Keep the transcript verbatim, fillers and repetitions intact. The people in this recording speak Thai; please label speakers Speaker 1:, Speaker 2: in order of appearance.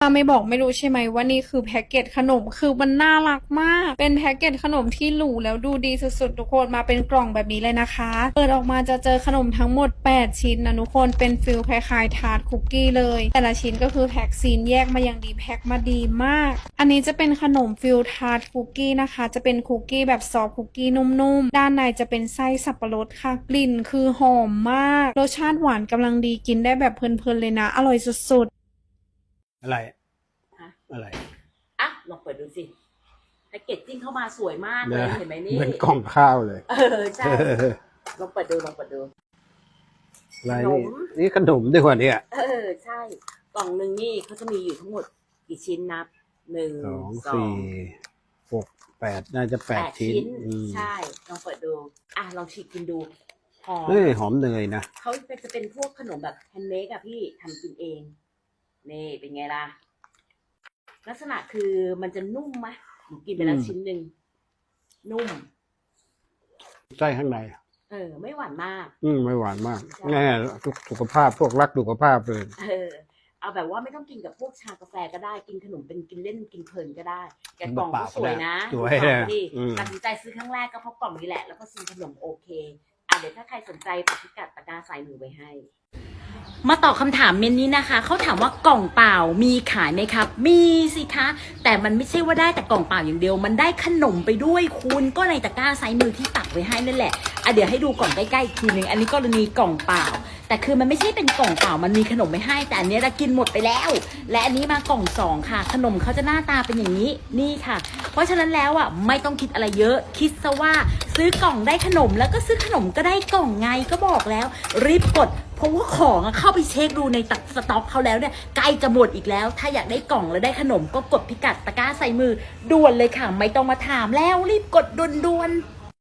Speaker 1: ถ้าไม่บอกไม่รู้ใช่ไหมว่านี่คือแพ็กเกจขนมคือมันน่ารักมากเป็นแพ็กเกจขนมที่หรูแล้วดูดีสุดๆทุกคนมาเป็นกล่องแบบนี้เลยนะคะเปิดออกมาจะเจอขนมทั้งหมดแปดชิ้นนะทุกคนเป็นฟิลคล้ายๆทาร์ตคุกกี้เลยแต่ละชิ้นก็คือแพ็กซีนแยกมาอย่างดีแพ็กมาดีมากอันนี้จะเป็นขนมฟิลทาร์ตคุกกี้นะคะจะเป็นคุกกี้แบบซอฟต์คุกกี้นุ่มๆด้านในจะเป็นไส้สับปะรดค่ะกลิ่นคือหอมมากรสชาติหวานกำลังดีกินได้แบบเพลินๆเลยนะอร่อยสุดๆ
Speaker 2: อะไร
Speaker 3: ฮะ
Speaker 2: อะไร
Speaker 3: อ่ะลองเปิดดูสิแพ็กเกจจิ้งเข้ามาสวยมากเลยเห็นไหมนี่
Speaker 2: เหมือนกล่องข้าวเลย
Speaker 3: เออใช่ลองเปิดดูลองเปิดดู
Speaker 2: อะไรนี่นี่ขนมด้วยวะเนี่ย
Speaker 3: เออใช่กล่องหนึ่งนี่เขาจะมีอยู่ทั้งหมดกี่ชิ้นนับหนึ่ง
Speaker 2: สอง
Speaker 3: สอ
Speaker 2: สี่
Speaker 3: ง
Speaker 2: หกแปดน่าจะแปดชิ้น
Speaker 3: ใช่ลองเปิดดูอ่ะลองฉีกกินดูหอม
Speaker 2: เฮ้ยหอมเนยนะ
Speaker 3: เขาจะเป็นพวกขนมแบบแฮนด์เมดอะพี่ทำกินเองนี่เป็นไงล่ะลักษณะคือมันจะนุ่มไหมหนูกินไปแล้วชิ้นหนึ่งนุ่ม
Speaker 2: ไส้ข้างใน
Speaker 3: เออไม่หวานมาก
Speaker 2: อืมไม่หวานมากแน่สุขภาพพวกรักสุขภาพเลย
Speaker 3: เออเอาแบบว่าไม่ต้องกินกับพวกชากาแฟก็ได้กินขนมเป็นกินเล่นกินเพลินก็ได้แกกล่องก็สวยนะ
Speaker 2: สวย
Speaker 3: ดีตัดสินใจซื้อครั้งแรกก็เพราะกล่องนี้แหละแล้วก็ซื้อขนมโอเคอ่ะเดี๋ยวถ้าใครสนใจปักพิกัดตะกร้าใส่มือไว้ให้มาตอบคำถามเมนนี้นะคะเขาถามว่ากล่องเปล่ามีขายไหมครับมีสิคะแต่มันไม่ใช่ว่าได้แต่กล่องเปล่าอย่างเดียวมันได้ขนมไปด้วยคุณก็ในตะกร้าไซส์มือที่ตักไว้ให้นั่นแหละอ่ะเดี๋ยวให้ดูกล่องใกล้ๆอีกทีนึงอันนี้กรณีกล่องเปล่าแต่คือมันไม่ใช่เป็นกล่องเปล่ามันมีขนมไม่ให้แต่อันนี้เรากินหมดไปแล้วและอันนี้มากล่องสองค่ะขนมเขาจะหน้าตาเป็นอย่างนี้นี่ค่ะเพราะฉะนั้นแล้วอ่ะไม่ต้องคิดอะไรเยอะคิดซะว่าซื้อกล่องได้ขนมแล้วก็ซื้อขนมก็ได้กล่องไงก็บอกแล้วรีบกดเพราะว่าของเข้าไปเช็คดูในสต็อกเขาแล้วเนี่ยใกล้จะหมดอีกแล้วถ้าอยากได้กล่องและได้ขนมก็กดพิกัดตะกร้าใส่มือด่วนเลยค่ะไม่ต้องมาถามแล้วรีบกดด่วนๆ